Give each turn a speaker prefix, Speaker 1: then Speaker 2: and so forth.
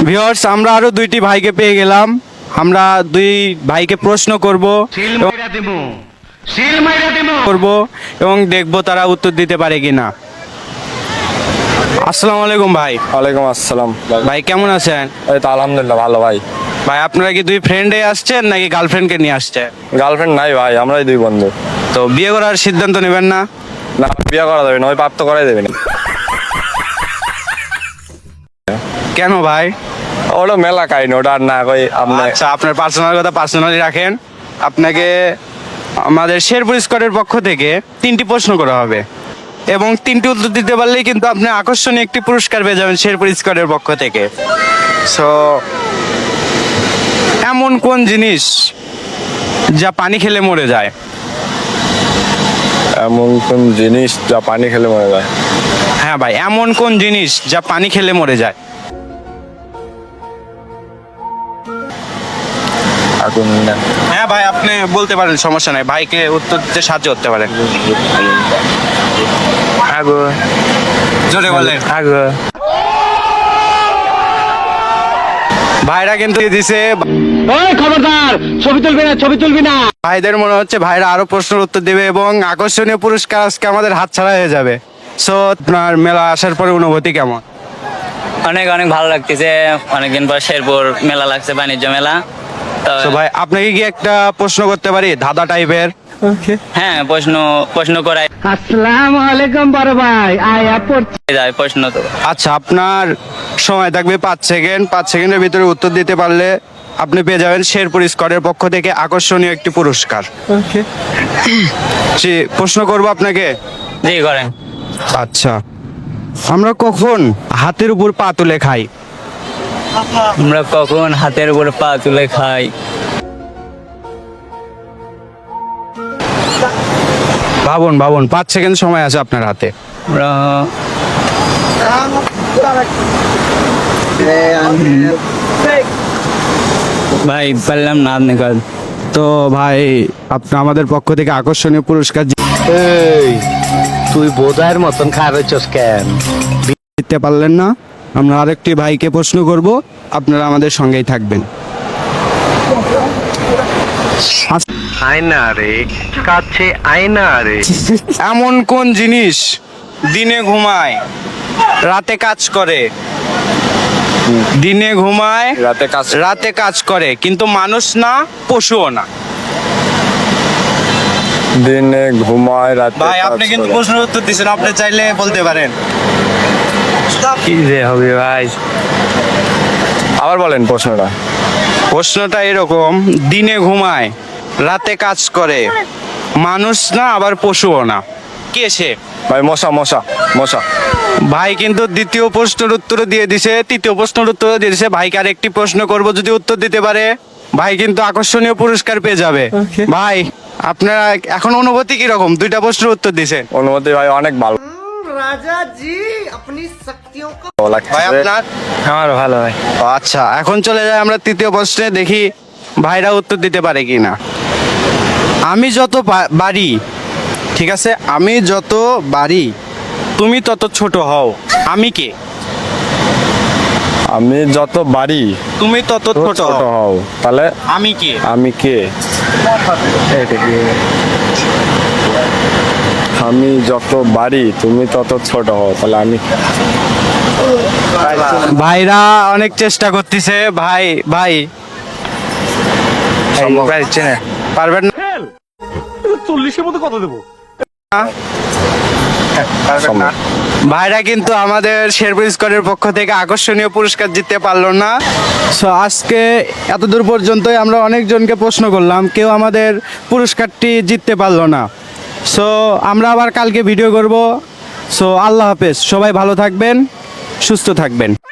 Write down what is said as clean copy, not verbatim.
Speaker 1: Viewers, আমরা আরো দুইটি ভাইকে পেয়ে গেলাম। আমরা দুই ভাইকে প্রশ্ন করব এবং দেখব তারা উত্তর দিতে পারে কিনা। আসসালামু আলাইকুম ভাই।
Speaker 2: ওয়ালাইকুম আসসালাম।
Speaker 1: ভাই কেমন আছেন?
Speaker 2: এই তো আলহামদুলিল্লাহ ভালো ভাই।
Speaker 1: ভাই আপনারা কি দুই ফ্রেন্ডে আসছেন নাকি গার্লফ্রেন্ডকে নিয়ে আসছেন?
Speaker 2: গার্লফ্রেন্ড নাই ভাই, আমরাই দুই বন্ধু।
Speaker 1: তো বিয়ে করার সিদ্ধান্ত নেবেন না?
Speaker 2: না, বিয়ে করা যাবে না, ওই পাপ তো করাই দেবে না।
Speaker 1: কেন ভাই?
Speaker 2: ওটা মেলা কাহিনী, ওটা আর না কই আপনি।
Speaker 1: আচ্ছা, আপনার পার্সোনাল কথা পার্সোনালি রাখেন। আপনাকে আমাদের শেরপুর স্কোয়াডের পক্ষ থেকে 3টি প্রশ্ন করা হবে এবং 3টি উত্তর দিতে পারলেই কিন্তু আপনি আকর্ষণীয় একটি পুরস্কার পেয়ে যাবেন শেরপুর স্কোয়াডের পক্ষ থেকে। সো এমন কোন জিনিস যা পানি খেলে মরে যায়?
Speaker 2: এমন কোন জিনিস যা পানি খেলে মরে যায়?
Speaker 1: হ্যাঁ ভাই, এমন কোন জিনিস যা পানি খেলে মরে যায়?
Speaker 2: আগুন না।
Speaker 1: হ্যাঁ ভাই, আপনি বলতে পারেন, সমস্যা নাই, ভাইকে উত্তর দিতে সাহায্য করতে পারেন।
Speaker 2: আগুন।
Speaker 1: জোরে বলেন।
Speaker 2: আগুন।
Speaker 1: ভাইরা কিন্তু দিছে।
Speaker 3: খবরদার, ছবি তুলবি না।
Speaker 1: ভাইদের মনে হচ্ছে ভাইরা আরো প্রশ্নের উত্তর দেবে এবং আকর্ষণীয় পুরস্কার আজকে আমাদের হাতছাড়া হয়ে যাবে। সো আপনার মেলা আসার পরে অনুভূতি কেমন?
Speaker 4: অনেক অনেক ভালো লাগতেছে। অনেকদিন পর শেরপুর মেলা লাগছে, বাণিজ্য মেলা। তো
Speaker 1: তো ভাই আপনাকে কি একটা প্রশ্ন করতে পারি, ধাঁধা টাইপের?
Speaker 4: হ্যাঁ, প্রশ্ন করাই
Speaker 3: আসসালামু আলাইকুম বড় ভাই, আয়া পড়ছি।
Speaker 4: যায় প্রশ্ন তো।
Speaker 1: আচ্ছা, আপনার সময় থাকবে 5 সেকেন্ড। 5 সেকেন্ডের ভিতরে উত্তর দিতে পারলে আপনি পেয়ে যাবেন শেরপুর স্কোয়াডের পক্ষ থেকে আকর্ষণীয় একটি পুরস্কার। জি, প্রশ্ন করব আপনাকে।
Speaker 4: জি করেন।
Speaker 1: আচ্ছা, আমরা কখন হাতের উপর পা তুলে খাই?
Speaker 4: আমরা কখন হাতের উপর পা তুলে খাই?
Speaker 1: ভাবুন ভাবুন, 5 সেকেন্ড সময় আছে আপনার হাতে।
Speaker 4: আমরা ভাই পারলাম না, আপনি কাজ।
Speaker 1: তো ভাই, আপনি আমাদের পক্ষ থেকে আকর্ষণীয় পুরস্কার
Speaker 3: এই তুই বোধায়ের মতন খাওয়াচ্ছস কেন?
Speaker 1: জিততে পারলেন না। আমরা আরেকটি ভাইকে প্রশ্ন করব, আপনারা আমাদের সঙ্গেই থাকবেন।
Speaker 3: আয়না রে কাছে, আয়না রে।
Speaker 1: এমন কোন জিনিস দিনে ঘুমায় রাতে কাজ করে? দিনে ঘুমায় রাতে কাজ করে, কিন্তু মানুষ না, পশুও না।
Speaker 2: দিনে ঘুমায় রাতে
Speaker 1: ভাই
Speaker 2: কাজ
Speaker 1: আপনি কিন্তু
Speaker 2: করে।
Speaker 1: প্রশ্নের উত্তর দিচ্ছেন, আপনি চাইলে বলতে পারেন।
Speaker 4: কি যে হবে ভাই?
Speaker 2: আবার বলেন প্রশ্নটা।
Speaker 1: প্রশ্নটা এরকম, দিনে ঘুমায় রাতে কাজ করে, মানুষ না আবার পশুও না, কে সে?
Speaker 2: ভাই মশা মশা মশা।
Speaker 1: ভাই কিন্তু দ্বিতীয় প্রশ্নের উত্তর দিয়ে দিছে, তৃতীয় প্রশ্নের উত্তর দিয়ে দিছে। ভাইকে আর একটি প্রশ্ন করব, যদি উত্তর দিতে পারে ভাই কিন্তু আকর্ষণীয় পুরস্কার পেয়ে যাবে। ভাই আপনারা এখন অনুভূতি কিরকম? 2টা প্রশ্নের উত্তর দিছে।
Speaker 2: অনুমতি ভাই অনেক ভালো
Speaker 5: राजा जी अपनी शक्तियों का
Speaker 2: লাগছে।
Speaker 1: ভাই আপনার?
Speaker 4: আমার ভালো ভাই।
Speaker 1: ও আচ্ছা, এখন চলে যাই আমরা তৃতীয় প্রশ্নে, দেখি ভাইরা উত্তর দিতে পারে কিনা। আমি যত বাড়ি, ঠিক আছে, আমি যত বাড়ি তুমি তত ছোট হও, আমি কে?
Speaker 2: আমি যত বাড়ি
Speaker 1: তুমি তত ছোট
Speaker 2: ছোট
Speaker 1: হও,
Speaker 2: হও, তাহলে
Speaker 1: আমি কে?
Speaker 2: আমি কে? আমি যত বাড়ি তুমি তত ছোট হও, তাহলে আমি
Speaker 1: ভাইরা অনেক চেষ্টা করতেছে। ভাই ভাই পারবেন না?
Speaker 3: 40-এর মধ্যে কত দেবো?
Speaker 2: সম্ভব।
Speaker 1: ভাইরা কিন্তু আমাদের শেরপুর স্কোয়াডের পক্ষ থেকে আকর্ষণীয় পুরস্কার জিততে পারলো না। সো আজকে এতদূর পর্যন্তই আমরা অনেকজনকে প্রশ্ন করলাম, কেউ আমাদের পুরস্কারটি জিততে পারলো না। সো আমরা আবার কালকে ভিডিও করব। সো আল্লাহ হাফেজ, সবাই ভালো থাকবেন, সুস্থ থাকবেন।